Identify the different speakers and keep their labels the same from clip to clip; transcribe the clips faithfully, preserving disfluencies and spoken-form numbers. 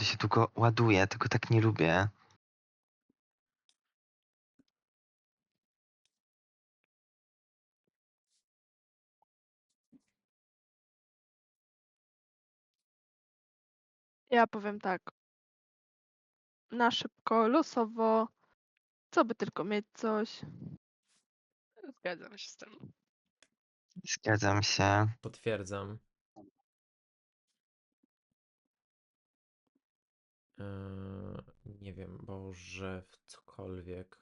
Speaker 1: się długo ładuje, tego tak nie lubię.
Speaker 2: Ja powiem tak. Na szybko, losowo, co by tylko mieć coś.
Speaker 3: Zgadzam się z tym.
Speaker 1: Zgadzam się.
Speaker 4: Potwierdzam. Eee, nie wiem, Boże, w cokolwiek.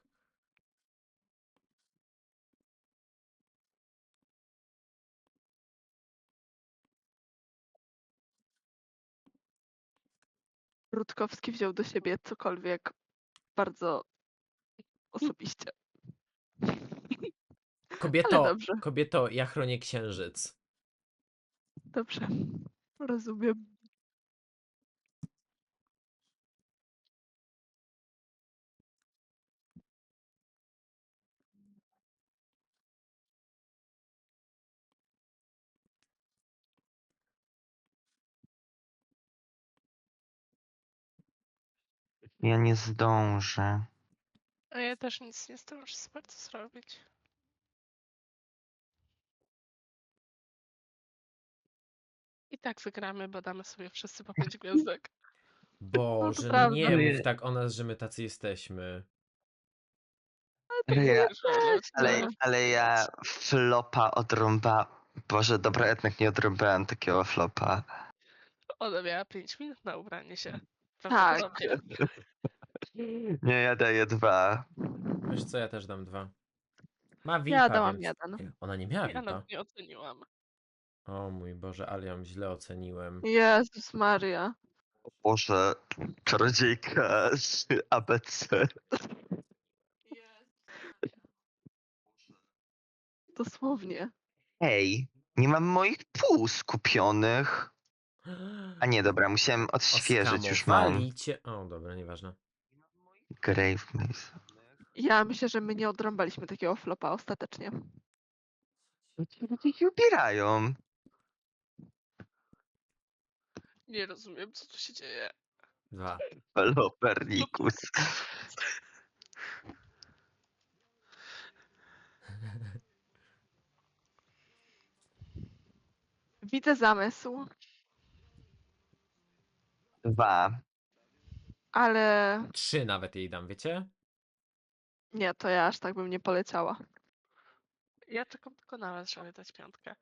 Speaker 2: Rutkowski wziął do siebie cokolwiek bardzo osobiście. Ale
Speaker 4: Kobieto,
Speaker 2: dobrze,
Speaker 4: kobieto, ja chronię księżyc.
Speaker 2: dobrze. Rozumiem.
Speaker 1: Ja nie zdążę.
Speaker 3: A ja też nic nie zdążę za bardzo zrobić. I tak wygramy, bo damy sobie wszyscy po pięć gwiazdek.
Speaker 4: Boże, no
Speaker 2: prawda.
Speaker 4: nie
Speaker 1: Ale-
Speaker 4: mów tak o nas, że my tacy jesteśmy.
Speaker 2: Tak
Speaker 1: Ale ja,
Speaker 3: Już wyleć,
Speaker 1: ale,
Speaker 3: no.
Speaker 1: ale ja flopa odrąba. Boże, dobra, jednak nie odrąbałem takiego flopa.
Speaker 3: Ona miała pięć minut na ubranie się.
Speaker 2: Tak.
Speaker 3: Prawdopodobnie.
Speaker 1: Nie, ja daję dwa.
Speaker 4: Wiesz co, ja też dam dwa. Ma V I
Speaker 2: Ja
Speaker 4: P-a,
Speaker 2: dałam
Speaker 4: więc...
Speaker 2: jeden.
Speaker 4: Ona nie miała
Speaker 3: Ja
Speaker 4: V I P-a.
Speaker 3: nawet nie oceniłam.
Speaker 4: O mój Boże, ale ją źle oceniłem.
Speaker 2: Jezus Maria.
Speaker 1: Boże, czarodziejka z A B C.
Speaker 2: Dosłownie.
Speaker 1: Ej, nie mam moich pół skupionych. A nie, dobra, musiałem odświeżyć, już mam.
Speaker 4: Oskamowali cię... O, dobra, nieważne.
Speaker 1: Grave Maze.
Speaker 2: Ja myślę, że my nie odrąbaliśmy takiego flopa ostatecznie.
Speaker 1: Ci ludzie ich ubierają.
Speaker 3: Nie rozumiem, co tu się dzieje.
Speaker 4: Dwa.
Speaker 1: Lopernikus.
Speaker 2: Widzę zamysł,
Speaker 1: Dwa.
Speaker 2: ale
Speaker 4: Trzy nawet jej dam, wiecie?
Speaker 2: nie, to ja aż tak bym nie poleciała.
Speaker 3: Ja czekam tylko na was, żeby dać piątkę.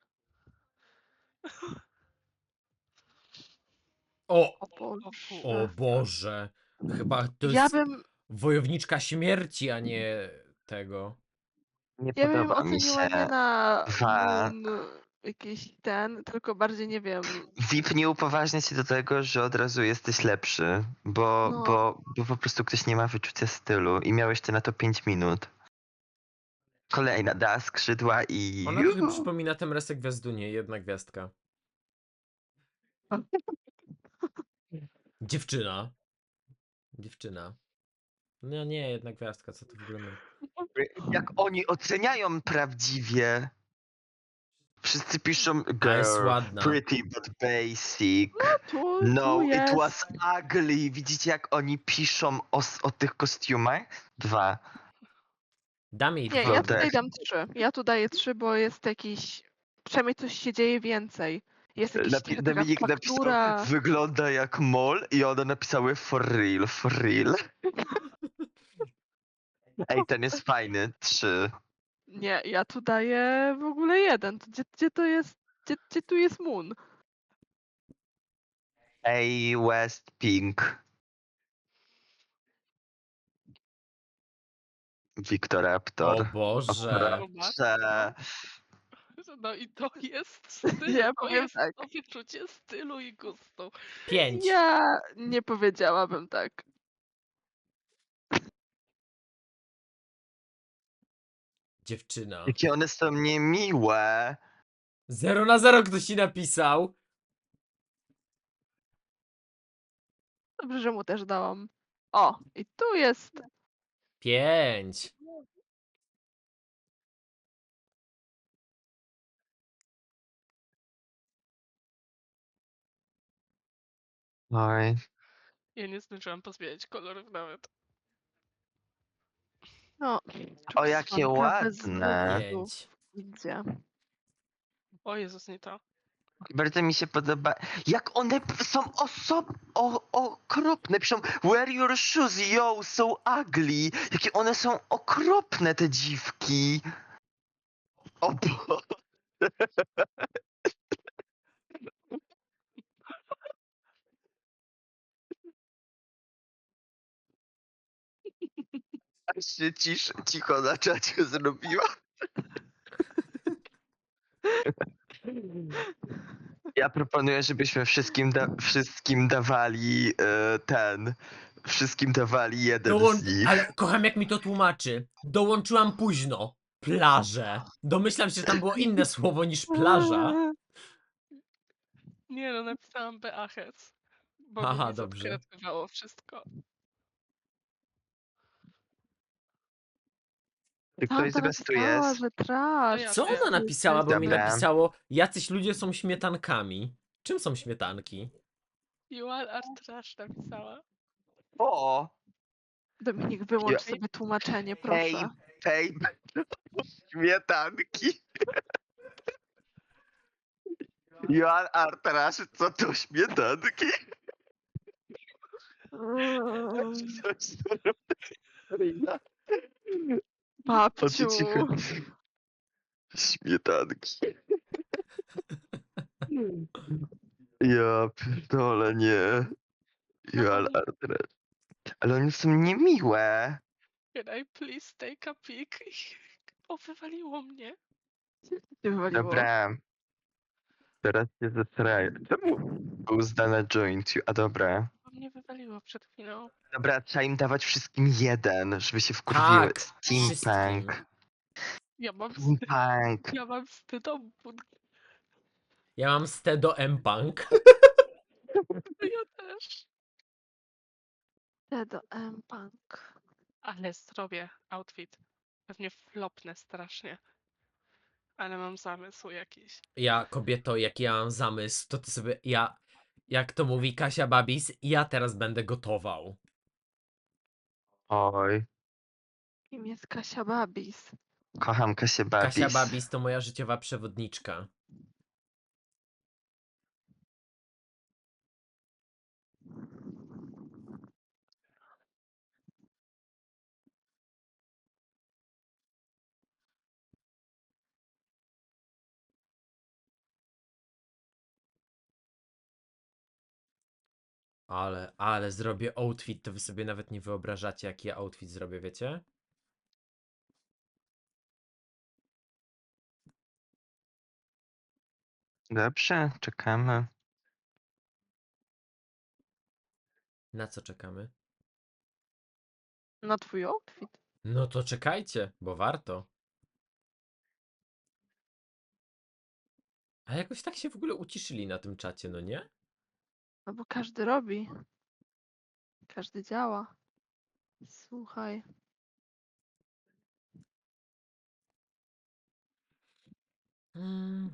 Speaker 4: O!
Speaker 2: O Boże.
Speaker 4: O Boże! Chyba to
Speaker 2: Ja
Speaker 4: jest
Speaker 2: bym,
Speaker 4: wojowniczka śmierci, a nie tego.
Speaker 1: Nie
Speaker 2: ja bym
Speaker 1: podoba mi
Speaker 2: oceniła nie
Speaker 1: się.
Speaker 2: na
Speaker 1: Dwa.
Speaker 2: moon jakiś ten, tylko bardziej nie wiem.
Speaker 1: V I P nie upoważnia cię do tego, że od razu jesteś lepszy, bo,
Speaker 2: No.
Speaker 1: bo, bo po prostu ktoś nie ma wyczucia stylu i miałeś ty na to pięć minut. Kolejna da skrzydła i...
Speaker 4: Ona trochę przypomina Temresę Gwiazdunie, jedna gwiazdka. Dziewczyna. Dziewczyna. No nie, jedna gwiazdka, co to w ogóle my.
Speaker 1: Jak oni oceniają prawdziwie. Wszyscy piszą
Speaker 4: A jest
Speaker 1: girl,
Speaker 4: ładna.
Speaker 1: pretty but basic.
Speaker 2: Tu,
Speaker 1: No,
Speaker 2: tu jest.
Speaker 1: it was ugly. Widzicie jak oni piszą o, s- o tych kostiumach? Dwa.
Speaker 4: Dam jej
Speaker 2: Nie,
Speaker 4: dwa.
Speaker 2: ja
Speaker 1: Wodek.
Speaker 2: tutaj dam trzy. Ja tu daję trzy, bo jest jakiś. Przynajmniej coś się dzieje więcej. Jest jakiś,
Speaker 1: Napi-
Speaker 2: taka
Speaker 1: Dominik
Speaker 2: faktura.
Speaker 1: napisał, wygląda jak mol i one napisały for real, for real. Ej, ten jest fajny. Trzy.
Speaker 2: Nie, ja tu daję w ogóle jeden. To Gdzie, gdzie to jest? Gdzie, gdzie tu jest Moon?
Speaker 1: Ej, West Pink. Wiktoraptor.
Speaker 4: O Boże.
Speaker 1: Raptorze.
Speaker 3: No i to jest styl,
Speaker 2: Ja
Speaker 3: to
Speaker 2: powiem
Speaker 3: jest
Speaker 2: tak.
Speaker 3: to wyczucie stylu i gustu.
Speaker 4: Pięć.
Speaker 2: Ja nie powiedziałabym tak.
Speaker 4: Dziewczyna.
Speaker 1: Jakie one są niemiłe.
Speaker 4: Zero na zero ktoś ci napisał.
Speaker 2: Dobrze, że mu też dałam. O, i tu jest.
Speaker 4: Pięć.
Speaker 1: Oj.
Speaker 3: Ja nie zdążyłam pozmieniać kolorów nawet.
Speaker 2: No,
Speaker 1: O, jakie
Speaker 2: czosnka bez
Speaker 1: ładne.
Speaker 2: włosów.
Speaker 4: Pięć.
Speaker 2: Idzie.
Speaker 3: O Jezus, nie to.
Speaker 1: Bardzo mi się podoba. Jak one p- są osob... O, okropne. Piszą, wear your shoes, yo, so ugly. Jakie one są okropne, te dziwki. O Boże. Aż się cisz, cicho na czacie zrobiła. Ja proponuję, żebyśmy wszystkim, da wszystkim dawali e, ten... Wszystkim dawali jeden
Speaker 4: Dołącz...
Speaker 1: z nich.
Speaker 4: Ale kocham jak mi to tłumaczy. Dołączyłam późno. Plaże. Domyślam się, że tam było inne słowo niż plaża.
Speaker 3: Nie no, napisałam Beaches. Bo
Speaker 4: Aha,
Speaker 3: by mi
Speaker 4: dobrze.
Speaker 3: zadekretywało wszystko.
Speaker 1: Czy
Speaker 2: Tam
Speaker 1: ktoś
Speaker 2: to
Speaker 1: z was tu
Speaker 2: napisała,
Speaker 1: jest?
Speaker 2: że trash.
Speaker 3: ja
Speaker 4: Co
Speaker 3: wiem.
Speaker 4: ona napisała? Bo mi
Speaker 1: Dobra.
Speaker 4: napisało, jacyś ludzie są śmietankami. Czym są śmietanki?
Speaker 3: You all are trash napisała.
Speaker 1: O!
Speaker 2: Dominik, wyłącz
Speaker 1: Ja-
Speaker 2: sobie tłumaczenie,
Speaker 1: Hej,
Speaker 2: proszę.
Speaker 1: hej, śmietanki. Joan Artrasz, co to śmietanki?
Speaker 2: Mm,
Speaker 1: Coś Karina. O
Speaker 2: Babciu.
Speaker 1: co ci chodzi? Śmietanki. Ja pierdolę, nie. Joan Artrasz. Ale one są niemiłe.
Speaker 3: Can I please take a pic? O, wywaliło mnie.
Speaker 2: Cię wywaliło.
Speaker 1: Dobra. Teraz się zesraję. Czemu był zdane joint you? A dobra.
Speaker 3: Bo mnie wywaliło przed chwilą.
Speaker 1: Dobra, trzeba im dawać wszystkim jeden, żeby się wkurwiły.
Speaker 4: Tak,
Speaker 1: Steampunk.
Speaker 3: Ja mam, st-
Speaker 1: Steampunk.
Speaker 3: ja mam stydobud.
Speaker 4: Ja mam Stedo M-Punk.
Speaker 3: Ja też.
Speaker 2: T do M Punk.
Speaker 3: Ale zrobię outfit. Pewnie flopnę strasznie. Ale mam zamysł jakiś.
Speaker 4: Ja, kobieto, jaki ja mam zamysł, to ty sobie, ja, jak to mówi Kasia Babis, ja teraz będę gotował.
Speaker 1: Oj,
Speaker 2: Kim jest Kasia Babis?
Speaker 1: kocham Kasię Babis.
Speaker 4: Kasia Babis to moja życiowa przewodniczka. Ale, ale zrobię outfit, to wy sobie nawet nie wyobrażacie, jaki ja outfit zrobię, wiecie?
Speaker 1: Dobrze, czekamy.
Speaker 4: Na co czekamy?
Speaker 2: Na twój outfit?
Speaker 4: No to czekajcie, bo warto. A jakoś tak się w ogóle uciszyli na tym czacie, no nie?
Speaker 2: No bo każdy robi. Każdy działa. Słuchaj.
Speaker 4: Mm.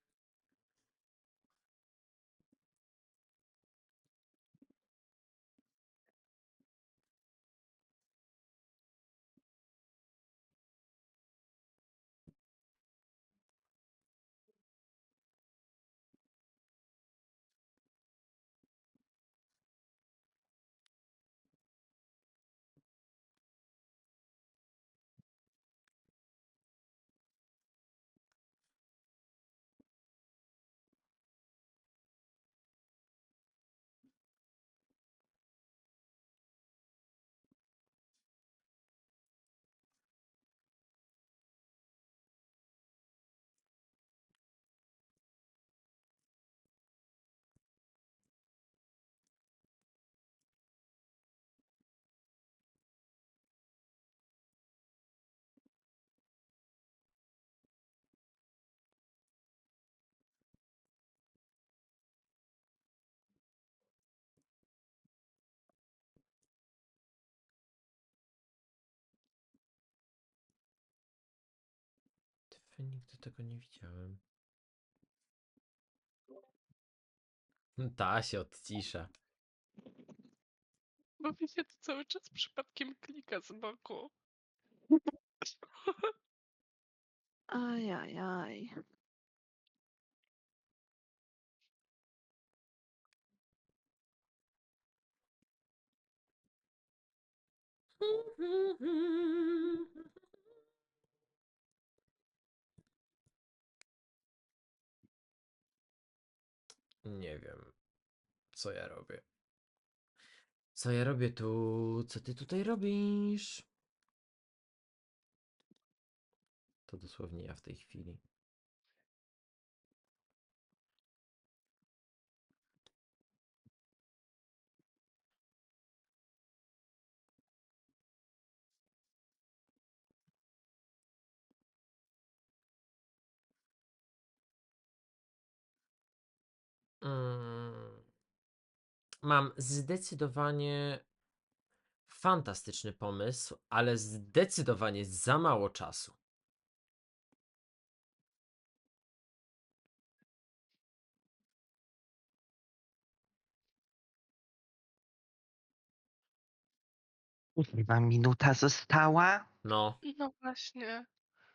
Speaker 4: Ty, nigdy tego nie widziałem. Ta się odcisza.
Speaker 3: Bo mi się to cały czas przypadkiem klika z boku.
Speaker 2: Ajajaj.
Speaker 4: Nie wiem, co ja robię. Co ja robię tu? Co ty tutaj robisz? To dosłownie ja w tej chwili. Mm, Mam zdecydowanie fantastyczny pomysł, ale zdecydowanie za mało czasu.
Speaker 1: Chyba minuta została.
Speaker 4: No,
Speaker 3: No właśnie.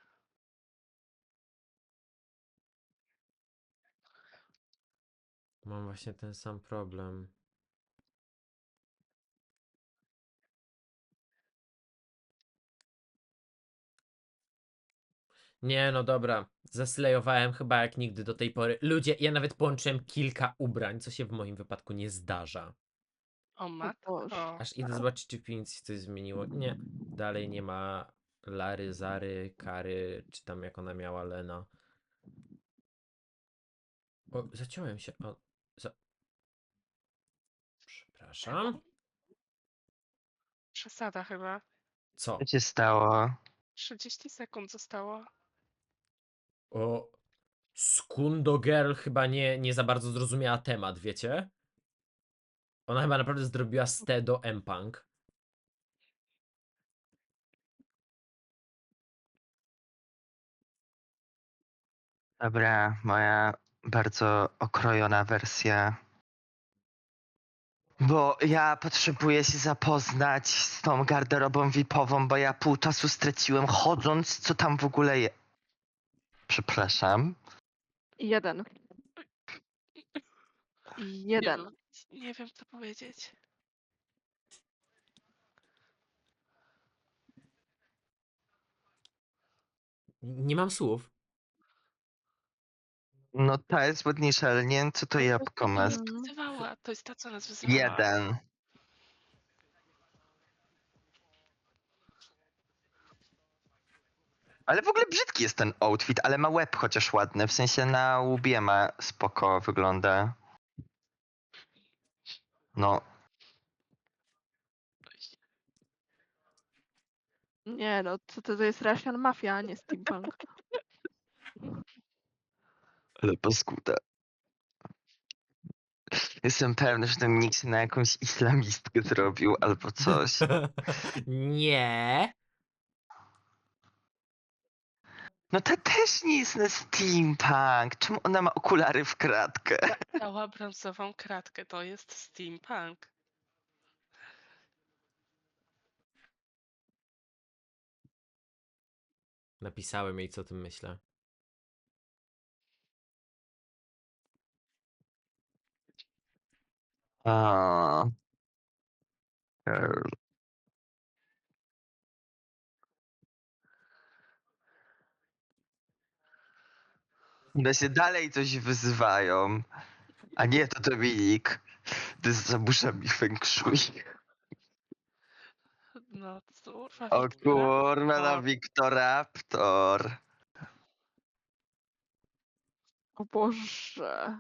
Speaker 4: mam właśnie ten sam problem. Nie, no dobra. Zaslejowałem chyba jak nigdy do tej pory. Ludzie, ja nawet połączyłem kilka ubrań, co się w moim wypadku nie zdarza.
Speaker 3: O
Speaker 2: O
Speaker 3: matko.
Speaker 2: Boże.
Speaker 4: Aż idę zobaczyć, czy w piwnicy coś zmieniło. Nie, dalej nie ma Lary, Zary, Kary, czy tam jak ona miała Lena. O, zaciąłem się. O, za... Przepraszam.
Speaker 3: Przesada chyba.
Speaker 4: Co?
Speaker 1: Co się stało?
Speaker 3: trzydzieści sekund zostało.
Speaker 4: O, Skundo Girl chyba nie, nie za bardzo zrozumiała temat, wiecie? Ona chyba naprawdę zrobiła ste do M-Punk.
Speaker 1: Dobra, moja bardzo okrojona wersja. Bo ja potrzebuję się zapoznać z tą garderobą V I P-ową, bo ja pół czasu straciłem chodząc, co tam w ogóle je... Przepraszam.
Speaker 2: Jeden.
Speaker 3: Nie
Speaker 2: Jeden.
Speaker 3: wiem, nie wiem co powiedzieć.
Speaker 4: Nie mam słów.
Speaker 1: No ta jest ładniejsza, ale nie wiem, co to
Speaker 3: Ale
Speaker 1: jabłko ma.
Speaker 3: nas
Speaker 2: Mm.
Speaker 3: wyzywała. To jest ta, co nas wyzywała.
Speaker 1: Jeden. Ale w ogóle brzydki jest ten outfit, ale ma łeb chociaż ładny. W sensie na łbie ma spoko wygląda. No,
Speaker 2: Nie no, co to, to jest Russian Mafia, a nie steampunk.
Speaker 1: ale paskuda. Jestem pewny, że ten nikt się na jakąś islamistkę zrobił albo coś.
Speaker 4: Nie.
Speaker 1: No to też nie jest na steampunk. Czemu ona ma okulary w kratkę?
Speaker 3: Dała brązową kratkę. To jest steampunk.
Speaker 4: Napisałem jej, co o tym myślę.
Speaker 1: O. Girl. One się dalej coś wyzywają. A nie, to Dominik. To jest zabusza mi feng shui.
Speaker 3: No kurwa,
Speaker 1: O
Speaker 3: Wiktora.
Speaker 1: kurwa, na
Speaker 3: O,
Speaker 1: Victoraptor.
Speaker 2: O Boże.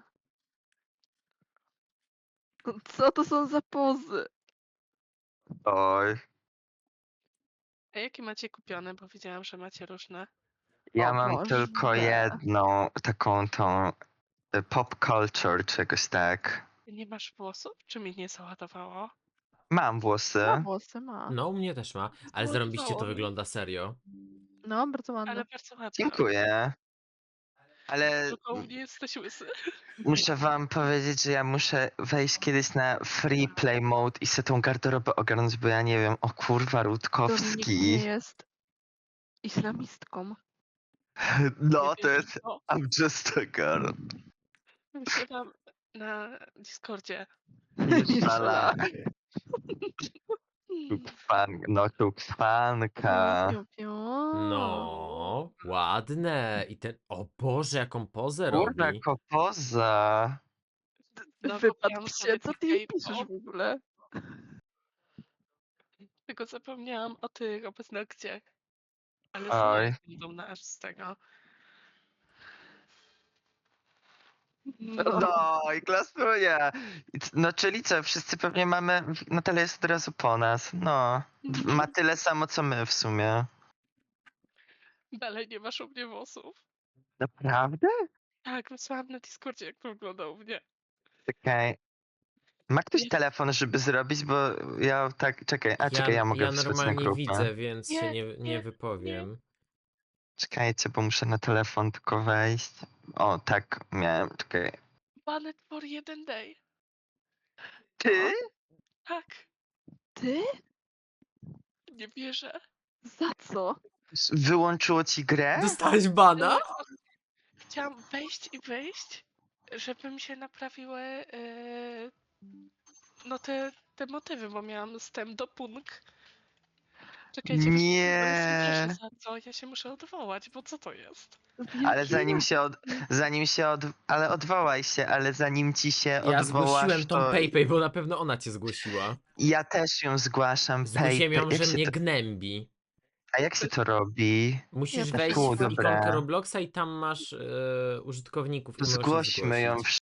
Speaker 2: No co to są za pozy?
Speaker 1: Oj.
Speaker 3: a jakie macie kupione? Bo widziałam, że macie różne.
Speaker 1: Ja
Speaker 2: O
Speaker 1: mam tylko
Speaker 2: Boże.
Speaker 1: jedną taką tą y, pop culture czegoś tak.
Speaker 3: Ty nie masz włosów? Czy mi nie załadowało?
Speaker 1: Mam włosy.
Speaker 2: Ma włosy, ma.
Speaker 4: No, u mnie też ma, ale zarąbiście to
Speaker 3: Załadowało mi.
Speaker 4: wygląda serio.
Speaker 2: No, bardzo ładne.
Speaker 3: Ale bardzo ładne.
Speaker 1: Dziękuję. Ale
Speaker 3: Tylko nie jesteś łysy.
Speaker 1: muszę wam powiedzieć, że ja muszę wejść kiedyś na free play mode i sobie tą garderobę ogarnąć, bo ja nie wiem, o kurwa,
Speaker 2: Dominik
Speaker 1: Rutkowski.
Speaker 2: nie jest islamistką.
Speaker 1: No,
Speaker 3: Nie
Speaker 1: to
Speaker 3: wiem,
Speaker 1: jest
Speaker 3: co.
Speaker 1: I'm just a girl.
Speaker 3: Wyświetam na Discordzie.
Speaker 1: Fala.
Speaker 3: Hmm.
Speaker 1: Fan, no, fanka.
Speaker 2: Piu, piu.
Speaker 4: No, ładne. I ten. O Boże, jaką pozę
Speaker 1: Kurwa,
Speaker 4: robi.
Speaker 1: kopoza.
Speaker 3: Znowu
Speaker 2: Wypadł
Speaker 3: miałam
Speaker 2: się, co ty jej
Speaker 3: K-pop,
Speaker 2: piszesz w ogóle?
Speaker 3: Tylko zapomniałam o tych paznokciach. Ale
Speaker 1: Oj.
Speaker 3: znowu będą na aż z tego.
Speaker 1: No i klasuje. I c- No czyli co, wszyscy pewnie mamy, Natalia jest od razu po nas. No,
Speaker 3: Mhm.
Speaker 1: ma tyle samo co my w sumie.
Speaker 3: Dalej nie masz u mnie włosów.
Speaker 1: Naprawdę?
Speaker 3: Tak, wysłałam na Discordzie, jak to wygląda u mnie.
Speaker 1: Czekaj. Ma ktoś
Speaker 3: Nie.
Speaker 1: telefon, żeby zrobić, bo ja tak, czekaj, a czekaj, ja mogę
Speaker 4: ja
Speaker 1: wysłać na
Speaker 4: normalnie
Speaker 1: grupę.
Speaker 4: widzę, więc się
Speaker 3: Nie,
Speaker 4: nie, nie
Speaker 3: nie,
Speaker 4: wypowiem.
Speaker 1: Czekajcie, bo muszę na telefon tylko wejść. O, tak, miałem, czekaj.
Speaker 3: Banned for jeden day.
Speaker 1: Ty?
Speaker 3: Tak,
Speaker 2: Ty?
Speaker 3: nie wierzę.
Speaker 2: Za co?
Speaker 1: S- Wyłączyło ci grę?
Speaker 4: Dostałeś bana?
Speaker 3: Ale Chciałam wejść i wyjść, żeby mi się naprawiły e, no te, te motywy, bo miałam wstęp do punk. Czekajcie,
Speaker 1: Nie.
Speaker 3: nie wierzę za co, ja się muszę odwołać, bo co to jest?
Speaker 1: Ale zanim się od, zanim się od, ale odwołaj się, ale zanim ci się
Speaker 4: Ja
Speaker 1: odwołasz,
Speaker 4: zgłosiłem tą
Speaker 1: to
Speaker 4: PayPay, bo na pewno ona cię zgłosiła.
Speaker 1: ja też ją zgłaszam.
Speaker 4: Zgłosiłem
Speaker 1: Pay,
Speaker 4: ją,
Speaker 1: jak
Speaker 4: że
Speaker 1: się
Speaker 4: mnie
Speaker 1: to,
Speaker 4: gnębi.
Speaker 1: a jak się to robi?
Speaker 4: Musisz
Speaker 2: też
Speaker 4: wejść
Speaker 1: Tu,
Speaker 4: w
Speaker 1: dobra.
Speaker 4: ikonkę Robloxa i tam masz e, użytkowników i możesz ich
Speaker 1: Zgłośmy ją
Speaker 4: zgłosić.